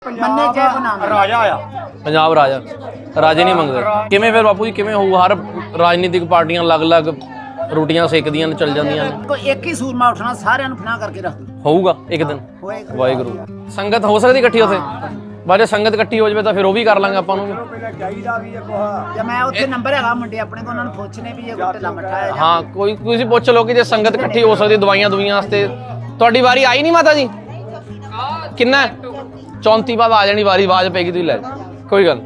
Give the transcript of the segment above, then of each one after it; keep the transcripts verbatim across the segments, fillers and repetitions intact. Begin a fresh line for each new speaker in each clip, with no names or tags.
ਮੰਨੇ ਜੇ ਨਾਮ
ਰਾਜਾ ਆ
ਪੰਜਾਬ ਰਾਜਾ ਰਾਜੇ ਨਹੀਂ ਮੰਗਦੇ ਕਿਵੇਂ ਫਿਰ ਬਾਪੂ ਜੀ ਕਿਵੇਂ ਹੋਊ ਹਰ ਰਾਜਨੀਤਿਕ ਪਾਰਟੀਆਂ ਅਲੱਗ-ਅਲੱਗ ਰੋਟੀਆਂ ਸੇਕਦੀਆਂ ਨੇ ਚੱਲ ਜਾਂਦੀਆਂ ਨੇ
ਕੋਈ ਇੱਕ ਹੀ ਸੂਰਮਾ ਉੱਠਣਾ ਸਾਰਿਆਂ ਨੂੰ ਫਨਾ ਕਰਕੇ ਰੱਖ ਦੂ
ਹੋਊਗਾ ਇੱਕ ਦਿਨ
ਹੋਏਗਾ
ਵਾਹਿਗੁਰੂ ਸੰਗਤ ਹੋ ਸਕਦੀ ਇਕੱਠੀ ਉੱਥੇ ਬਾਜੇ ਸੰਗਤ ਇਕੱਠੀ ਹੋ ਜਾਵੇ ਤਾਂ ਫਿਰ ਉਹ ਵੀ ਕਰ ਲਾਂਗੇ ਆਪਾਂ ਨੂੰ
ਪਹਿਲਾਂ ਚਾਹੀਦਾ ਵੀ ਇਹ ਕੋਹਾ
ਜੇ ਮੈਂ ਉੱਥੇ ਨੰਬਰ ਹੈਗਾ ਮੁੰਡੇ ਆਪਣੇ ਕੋਲ ਉਹਨਾਂ ਨੂੰ ਪੁੱਛਨੇ ਵੀ ਇਹ ਕੋਈ ਢਿੱਲਾ ਮੱਠਾ ਹੈ ਜਾਂ
ਹਾਂ ਕੋਈ ਤੁਸੀਂ ਪੁੱਛ ਲਓ ਕਿ ਜੇ ਸੰਗਤ ਇਕੱਠੀ ਹੋ ਸਕਦੀ ਦਵਾਈਆਂ ਦੁਈਆਂ ਵਾਸਤੇ ਤੁਹਾਡੀ ਵਾਰੀ ਆਈ ਨਹੀਂ ਮਾਤਾ ਜੀ ਕਿੰਨਾ ਚੌਂਤੀ ਬਾਅਦ ਆ ਜਾਣੀ ਵਾਰੀ ਆਵਾਜ਼ ਪੈਗੀ ਤੁਸੀਂ ਲੈ ਜਾਓ। ਕੋਈ ਗੱਲ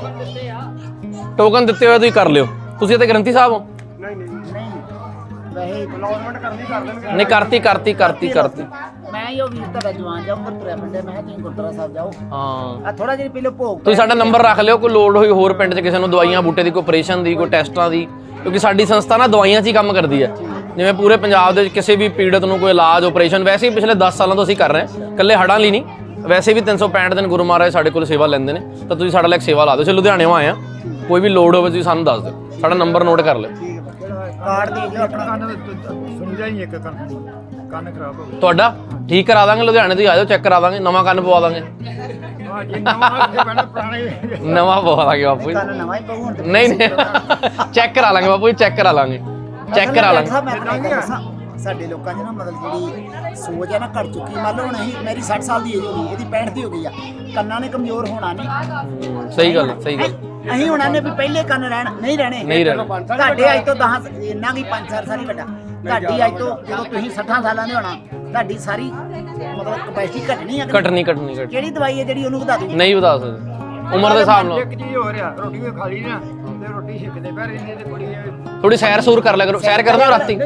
ਟੋਕਨ ਦਿੱਤੇ ਹੋਏ ਤੁਸੀਂ ਕਰ ਲਿਓ ਤੁਸੀਂ ਤੇ ਗ੍ਰੰਥੀ ਸਾਹਿਬ ਹੋ
ਨਹੀਂ ਨਹੀਂ
ਨਹੀਂ ਵੈਸੇ
ਅਨਾਉਂਸਮੈਂਟ ਕਰਨੀ ਕਰ ਦੇਣਗੇ
ਨਹੀਂ ਕਰਤੀ ਕਰਤੀ ਕਰਤੀ ਕਰਤੀ
ਮੈਂ ਹੀ ਉਹ ਵੀਰ ਦਾ ਜਵਾਨ ਜਾਊਂ ਗੁਰਪੁਰਾ ਪਿੰਡੇ ਮੈਂ ਕਿਹਾ ਤੁਸੀਂ ਗੁਰਦੁਆਰਾ ਸਾਹਿਬ ਜਾਓ
ਹਾਂ
ਆ ਥੋੜਾ ਜਿਹਾ ਪਹਿਲੇ ਭੋਗ
ਤੁਸੀਂ ਸਾਡਾ ਨੰਬਰ ਰੱਖ ਲਿਓ ਕੋਈ ਲੋੜ ਹੋਈ ਹੋਰ ਪਿੰਡ 'ਚ ਕਿਸੇ ਨੂੰ ਦਵਾਈਆਂ ਬੂਟੇ ਦੀ ਕੋਈ ਆਪਰੇਸ਼ਨ ਦੀ ਕੋਈ ਟੈਸਟਾਂ ਦੀ ਕਿਉਂਕਿ ਸਾਡੀ ਸੰਸਥਾ ਨਾ ਦਵਾਈਆਂ 'ਚ ਹੀ ਕੰਮ ਕਰਦੀ ਹੈ ਜਿਵੇਂ ਪੂਰੇ ਪੰਜਾਬ ਦੇ ਵਿੱਚ ਕਿਸੇ ਵੀ ਪੀੜਤ ਨੂੰ ਕੋਈ ਇਲਾਜ ਆਪਰੇਸ਼ਨ ਵੈਸੇ ਹੀ ਪਿਛਲੇ ਦਸ ਸਾਲਾਂ ਤੋਂ ਅਸੀਂ ਕਰ ਰਹੇ ਹਾਂ ਇਕੱਲੇ ਹੜਾਂ ਲਈ ਨਹੀਂ ਵੈਸੇ ਵੀ ਤਿੰਨ ਸੌ ਪੈਂਹਠ ਦਿਨ ਗੁਰੂ ਮਹਾਰਾਜ ਸਾਡੇ ਕੋਲ ਸੇਵਾ ਲੈਂਦੇ ਨੇ ਤਾਂ ਤੁਸੀਂ ਸਾਡਾ ਲਈ ਸੇਵਾ ਲਾ ਦਿਓ ਅਸੀਂ ਲੁਧਿਆਣੇੋਂ ਆਏ ਆ ਕੋਈ ਵੀ ਲੋੜ ਹੋਵੇ ਤੁਸੀਂ ਸਾਨੂੰ ਦੱਸ ਦਿਓ ਸਾਡਾ ਨੰਬਰ ਨੋਟ ਕਰ ਲਿਓ
ਕਾਰਡ ਦੇ ਦਿਓ ਆਪਣਾ
ਕੰਨ ਸੁਣਦਾ ਹੀ ਇੱਕ ਕੰਨ ਕੰਨ ਖਰਾਬ ਹੋ ਗਿਆ
ਤੁਹਾਡਾ ਠੀਕ ਕਰਾ ਦਾਂਗੇ ਲੁਧਿਆਣੇ ਤੋਂ ਆ ਜਾਓ ਚੈੱਕ ਕਰਾ ਦਾਂਗੇ ਨਵਾਂ ਕੰਨ ਪਵਾ ਦਾਂਗੇ
ਹਾਂ ਜੇ ਨਵਾਂ ਇੱਥੇ ਪੈਣਾ ਪੁਰਾਣੇ
ਨਵਾਂ ਪਵਾ ਦਾਂਗੇ ਬਾਪੂ ਜੀ
ਕੰਨ ਨਵਾਂ ਹੀ ਪਊ ਹੁਣ ਤੇ
ਨਹੀਂ ਨਹੀਂ ਚੈੱਕ ਕਰਾ ਲਾਂਗੇ ਬਾਪੂ ਜੀ ਚੈੱਕ ਕਰਾ ਲਾਂਗੇ ਚੈੱਕ ਕਰਾ ਲਾਂਗੇ
ਮੈਂ ਤੁਹਾਨੂੰ ਇੱਕ ਗੱਲ ਦੱਸਾਂ, ਸਾਡੇ ਲੋਕਾਂ 'ਚ ਨਾ ਮਤਲਬ ਜਿਹੜੀ ਸੋਚ ਹੈ ਨਾ ਘਟ ਚੁੱਕੀ ਮੰਨ ਲਓ ਹੁਣ ਅਸੀਂ ਮੇਰੀ ਸੱਠ ਸਾਲ ਦੀ ਏਜ ਹੋ ਗਈ ਇਹਦੀ ਪੈਂਹਠ ਦੀ ਹੋ ਗਈ ਆ ਕੰਨਾਂ ਨੇ ਕਮਜ਼ੋਰ ਹੋਣਾ ਨਹੀਂ
ਸਹੀ ਗੱਲ ਸਹੀ ਗੱਲ
ਅਸੀਂ ਹੁਣ ਆਨੇ ਵੀ ਪਹਿਲੇ ਕੰਨ ਰਹਿਣ ਨਹੀਂ ਰਹਿਣੇ
ਨਹੀਂ ਰਹਿਣੇ
ਤੁਹਾਡੇ ਅੱਜ ਤੋਂ ਦਸ ਇੰਨਾ ਕੀ ਪੰਜ ਚਾਰ ਸਾਲ ਹੀ ਵੱਡਾ ਤੁਹਾਡੀ ਅੱਜ ਤੋਂ ਜਦੋਂ ਤੁਸੀਂ ਸੱਠਾਂ ਸਾਲਾਂ ਦੇ ਹੋਣਾ ਤੁਹਾਡੀ ਸਾਰੀ ਮਤਲਬ ਕਪੈਸਿਟੀ ਘਟਣੀ ਆ ਕਿ
ਕੱਟਣੀ ਕੱਟਣੀ ਕੱਟ
ਕਿਹੜੀ ਦਵਾਈ ਹੈ ਜਿਹੜੀ ਉਹਨੂੰ ਵਧਾ ਦੂਗੀ
ਨਹੀਂ ਵਧਾ ਸਕਦੇ ਉਮਰ ਦੇ ਹਿਸਾਬ ਨਾਲ
ਇੱਕ ਚੀਜ਼ ਹੋ ਰਿਹਾ ਰੋਟੀ ਵੀ ਖਾ ਲਈ ਨਾ ਤੇ ਰੋਟੀ ਛਿੱਕਦੇ ਪੈ ਰਹਿੰਦੇ ਤੇ ਬੜੀ
ਥੋੜੀ ਸੈਰ ਸੂਰ ਕਰ ਲਿਆ ਕਰੋ ਸੈਰ ਕਰਦੇ ਹੋ ਰਾਤੀ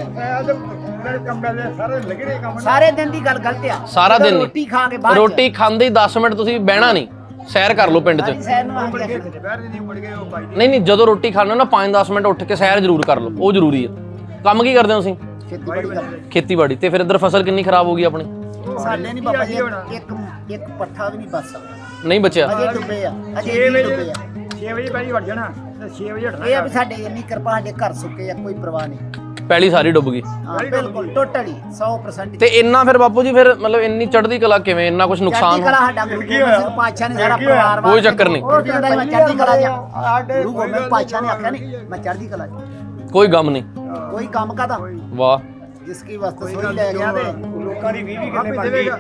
ਮੇਰੇ ਕੰਮ ਵਾਲੇ ਸਾਰੇ ਲੱਗੇ ਨੇ ਕੰਮ
ਸਾਰੇ ਦਿਨ ਦੀ ਗੱਲ ਗਲਤ ਆ
ਸਾਰਾ ਦਿਨ ਨਹੀਂ।
ਰੋਟੀ ਖਾ ਕੇ ਬਾਅਦ 'ਚ।
ਰੋਟੀ ਖਾਂਦੇ ਹੀ ਦਸ ਮਿੰਟ ਤੁਸੀਂ ਬਹਿਣਾ ਨਹੀਂ ਸੈਰ ਕਰ ਲਓ ਪਿੰਡ 'ਚ
ਸਾਰੀ ਸੈਰ ਨੂੰ
ਬੜ
ਆਖਦੇ
ਗਏ ਬੈਠ ਨਹੀਂ ਮੁੜ ਗਏ ਉਹ ਬਾਈ
ਨਹੀਂ ਨਹੀਂ ਜਦੋਂ ਰੋਟੀ ਖਾਣੇ ਹੋ ਨਾ ਪੰਜ ਦਸ ਮਿੰਟ ਉੱਠ ਕੇ ਸੈਰ ਜ਼ਰੂਰ ਕਰ ਲਓ ਉਹ ਜ਼ਰੂਰੀ ਹੈ ਕੰਮ ਕੀ ਕਰਦੇ ਹੋ ਤੁਸੀਂ
ਖੇਤੀਬਾੜੀ ਕਰਦੇ
ਖੇਤੀਬਾੜੀ ਤੇ ਫਿਰ ਇੱਧਰ ਫਸਲ ਕਿੰਨੀ ਖਰਾਬ ਹੋ ਗਈ ਆਪਣੀ
ਸਾਡੇ ਨਹੀਂ ਬਾਬਾ ਜੀ ਇੱਕ ਇੱਕ ਪੱਠਾ ਵੀ ਨਹੀਂ ਬਚ ਸਕਦਾ
ਨਹੀਂ ਬਚਿਆ
ਅਜੇ ਡੁੱਬੇ ਆ ਅਜੇ
ਛੇ
ਵੀ
ਵਜੇ
ਡੁੱਬੇ ਆ
ਛੇ ਵਜੇ ਪਹਿਲੀ ਵੜ ਜਾਣਾ ਤੇ ਛੇ ਵਜੇ ਉੱਠਣਾ
ਇਹ ਆ ਵੀ ਸਾਡੇ ਇੰਨੀ ਕਿਰਪਾ ਸਾਡੇ ਘਰ ਸੁੱਕੇ ਆ ਕੋਈ ਪਰਵਾਹ ਨਹੀਂ
ਪਹਿਲੀ ਸਾਰੀ ਡੁੱਬ ਗਈ
ਹਾਂ ਬਿਲਕੁਲ ਟੋਟਲੀ ਸੌ ਪ੍ਰਸੈਂਟ
ਤੇ ਇੰਨਾ ਫਿਰ ਬਾਪੂ ਜੀ ਫਿਰ ਮਤਲਬ ਇੰਨੀ ਚੜ੍ਹਦੀ ਕਲਾ ਕਿਵੇਂ ਇੰਨਾ ਕੁਝ ਨੁਕਸਾਨ
ਚੜ੍ਹਦੀ ਕਲਾ ਸਾਡਾ ਗੁਰੂ ਗੋਬਿੰਦ ਸਿੰਘ ਪਾਤਸ਼ਾਹ ਨੇ ਸਾਰਾ ਪਰਿਵਾਰ
ਕੋਈ ਚੱਕਰ ਨਹੀਂ।
ਉਹ ਕਹਿੰਦਾ ਸੀ ਮੈਂ ਚੜ੍ਹਦੀ ਕਲਾ ਜਾ ਗੁਰੂ ਗੋਬਿੰਦ ਪਾਤਸ਼ਾਹ ਨੇ ਆਖਿਆ ਨਹੀਂ ਮੈਂ ਚੜ੍ਹਦੀ ਕਲਾ ਚ
ਕੋਈ ਗਮ ਨਹੀਂ
ਕੋਈ ਕੰਮ ਕਾਦਾ
ਵਾਹ
ਜਿਸ ਕੀ ਵਸਤ ਸੋਈ ਲੈ ਗਿਆ ਤੇ
ਲੋਕਾਂ ਦੀ ਵੀਹ ਵੀਹ ਕਿੱਲੇ ਬਣ ਗਈ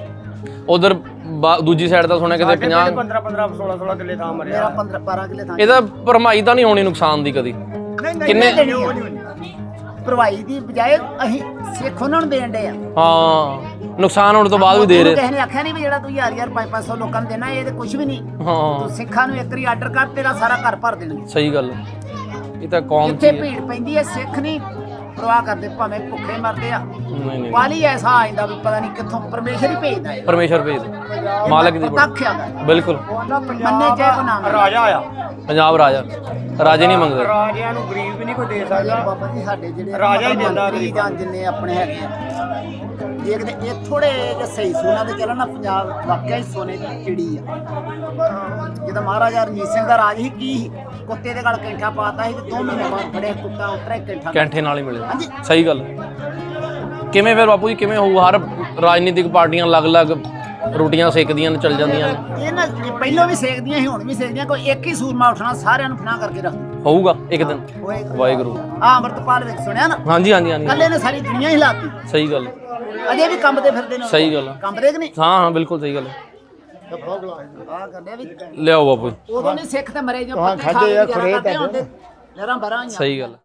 ਉਧਰ ਦੂਜੀ ਸਾਈਡ ਤਾਂ ਸੁਣਿਆ ਕਿਤੇ ਪੰਜਾਹ
ਪੰਦਰਾਂ ਪੰਦਰਾਂ ਸੋਲਾਂ ਸੋਲਾਂ ਕਿੱਲੇ ਥਾਂ ਮਰਿਆ
ਮੇਰਾ ਪੰਦਰਾਂ ਬਾਰਾਂ ਕਿੱਲੇ ਥਾਂ
ਇਹਦਾ ਭਰਮਾਈ ਤਾਂ ਨਹੀਂ ਹੋਣੀ ਨੁਕਸਾਨ ਦੀ ਕਦੀ
ਨਹੀਂ ਨਹੀਂ
ਕਿੰਨੇ
ਦੇਣੀ ਆ। ਭਰਵਾਈ ਦੀ ਬਜਾਏ ਅਸੀਂ ਸਿੱਖ ਉਹਨਾਂ ਨੂੰ ਦੇਣ ਦੇ ਆ
ਹਾਂ ਨੁਕਸਾਨ ਹੋਣ ਤੋਂ ਬਾਅਦ ਵੀ ਦੇ ਰਹੇ
ਕਿਸੇ ਨੇ ਆਖਿਆ ਨਹੀਂ ਵੀ ਜਿਹੜਾ ਤੂੰ ਯਾਰ ਯਾਰ ਪੰਜ ਪੰਜ ਸੌ ਲੋਕਾਂ ਨੂੰ ਦੇਣਾ ਇਹ ਤੇ ਕੁਝ ਵੀ ਨਹੀਂ
ਹਾਂ
ਤੂੰ ਸਿੱਖਾਂ ਨੂੰ ਇੱਕ ਵਾਰੀ ਆਰਡਰ ਕਰ ਤੇਰਾ ਸਾਰਾ ਘਰ ਭਰ ਦੇਣਗੇ
ਸਹੀ ਗੱਲ ਇਹ ਤਾਂ ਕੌਮ
ਜਿੱਥੇ
ਚ ਹੀ ਹੈ।
ਭੀੜ ਪੈਂਦੀ ਹੈ ਸਿੱਖ ਨਹੀਂ ਪਰਵਾਹ ਕਰਦੇ ਭਾਵੇਂ ਭੁੱਖੇ ਮਰਦੇ ਆ
ਨਹੀਂ ਨਹੀਂ
ਵਾਲੀ ਐਸਾ ਆ ਜਾਂਦਾ ਵੀ ਪਤਾ ਨਹੀਂ ਕਿੱਥੋਂ ਪਰਮੇਸ਼ਰ ਹੀ ਭੇਜਦਾ ਹੈ
ਪਰਮੇਸ਼ਰ ਭੇਜ ਦੇ। ਮਾਲਕ ਦੀ
ਤੱਕ ਆ
ਬਿਲਕੁਲ
ਮੰਨੇ ਜੇ ਕੋ ਨਾਮ
ਰਾਜਾ ਆ
ਪੰਜਾਬ ਰਾਜਾ ਰਾਜੇ ਨਹੀਂ ਮੰਗਦੇ
ਰਾਜਿਆਂ ਨੂੰ ਗਰੀਬ ਵੀ ਨਹੀਂ ਕੋਈ ਦੇ ਸਕਦਾ
ਬਾਬਾ ਜੀ ਸਾਡੇ ਜਿਹੜੇ
ਰਾਜਾ ਹੀ ਦਿੰਦਾ
ਮੰਤਰੀ ਜਾਂ ਜਿੰਨੇ ਆਪਣੇ ਹੈਗੇ ਆ ਦੇਖਦੇ ਇਹ ਥੋੜੇ ਜਿਹਾ ਸਹੀ ਸੋਨਾ ਤੇ ਚੱਲਣ ਨਾ ਪੰਜਾਬ ਵਾਕਿਆ ਹੀ ਸੋਨੇ ਦੀ ਚਿੜੀ ਆ ਜਦੋਂ ਮਹਾਰਾਜਾ ਰਣਜੀਤ ਸਿੰਘ ਦਾ ਰਾਜ ਸੀ ਕੀ ਸੀ? ਕੁੱਤੇ ਦੇ ਗਲ ਕੈਂਠਾ ਪਾਤਾ ਸੀ ਤੇ ਦੋ ਮਹੀਨੇ ਬਾਅਦ ਫੜਿਆ ਕੁੱਤਾ ਉਤਰਿਆ ਕੈਂਠਾ
ਕੈਂਠੇ ਨਾਲ ਹੀ ਮਿਲੇ
ਹਾਂਜੀ
ਸਹੀ ਗੱਲ ਕਿਵੇਂ ਫਿਰ ਬਾਪੂ ਜੀ ਕਿਵੇਂ ਹੋਊ ਹਰ ਰਾਜਨੀਤਿਕ ਪਾਰਟੀਆਂ ਅਲੱਗ-ਅਲੱਗ ਰੋਟੀਆਂ ਸੇਕਦੀਆਂ ਨੇ ਚੱਲ ਜਾਂਦੀਆਂ ਨੇ
ਇਹ ਨਾ ਇਹ ਪਹਿਲਾਂ ਵੀ ਸੇਕਦੀਆਂ ਸੀ ਹੁਣ ਵੀ ਸੇਕਦੀਆਂ ਕੋਈ ਇੱਕ ਹੀ ਸੂਰਮਾ ਉੱਠਣਾ ਸਾਰਿਆਂ ਨੂੰ ਫਨਾ ਕਰਕੇ ਰੱਖ ਦੂ
ਹੋਊਗਾ ਇੱਕ ਦਿਨ
ਹੋਏਗਾ
ਵਾਹਿਗੁਰੂ
ਆ ਅੰਮ੍ਰਿਤਪਾਲ ਵਿੱਚ ਸੁਣਿਆ ਨਾ
ਹਾਂਜੀ ਹਾਂਜੀ ਹਾਂਜੀ
ਕੱਲੇ ਨੇ ਸਾਰੀ ਦੁਨੀਆ ਹੀ ਹਿਲਾਤੀ
ਸਹੀ ਗੱਲ
ਅਜੇ ਵੀ ਕੰਬਦੇ ਫਿਰਦੇ ਨੇ
ਸਹੀ ਗੱਲ ਆ।
ਕੰਬਦੇ ਕਿ ਨਹੀਂ
ਹਾਂ ਹਾਂ ਬਿਲਕੁਲ ਸਹੀ ਗੱਲ ਹੈ।
ਆ ਕਰਦੇ ਵੀ
ਲਿਆਓ ਬਾਪੂ ਜੀ।
ਉਦੋਂ ਨਹੀਂ ਸਿੱਖ ਤੇ ਮਰੇ ਜੋ ਪੱਕੇ ਖਾ ਕੇ ਲਹਿਰਾਂ ਬਰਾਂ
ਸਹੀ ਗੱਲ ਹੈ।